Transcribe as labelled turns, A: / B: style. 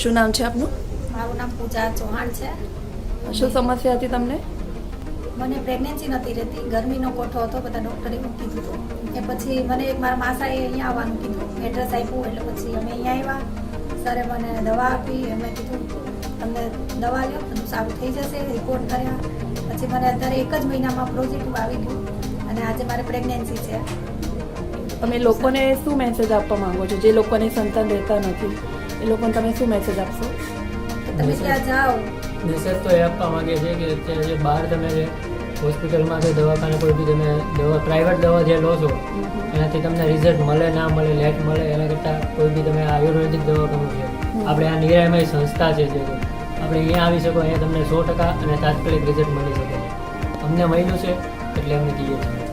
A: શું નામ છે આપનું?
B: મારું નામ પૂજા ચૌહાણ છે.
A: શું સમસ્યા હતી તમને?
B: મને પ્રેગ્નન્સી નથી રહેતી, ગરમીનો કોઠો હતો, બધા ડૉક્ટરે એવું કીધું હતું. એ પછી મને એક મારા માસાએ અહીંયા આવવાનું કીધું, એડ્રેસ આપ્યું, એટલે પછી અમે અહીંયા આવ્યા. સરે મને દવા આપી, એમણે કીધું તમને દવા લો, બધું સારું થઈ જશે. રિપોર્ટ કર્યા પછી મને અત્યારે 1 જ મહિનામાં પોઝિટિવ આવી ગયું અને આજે મારે પ્રેગ્નન્સી છે.
A: તમે લોકોને શું મેસેજ આપવા માંગો છો, જે લોકોને સંતાન રહેતા નથી એ લોકોને તમે શું મેસેજ આપશો?
B: તમે ત્યાં જાઓ.
C: મેસેજ તો એ આપવા માંગે છે કે અત્યારે જે બહાર તમે જે હોસ્પિટલમાં કે દવાખાને કોઈ બી તમે દવા પ્રાઇવેટ દવા જે લો છો એનાથી તમને રિઝલ્ટ મળે ના મળે, લેટ મળે, એના કરતાં કોઈ બી તમે આયુર્વેદિક દવા કરવું છે. આપણે આ નિરામય સંસ્થા છે જે આપણે અહીંયા આવી શકો, અહીંયા તમને 100% અને તાત્કાલિક રિઝલ્ટ મળી શકે. અમને મળ્યું છે એટલે અમને કહીએ છીએ.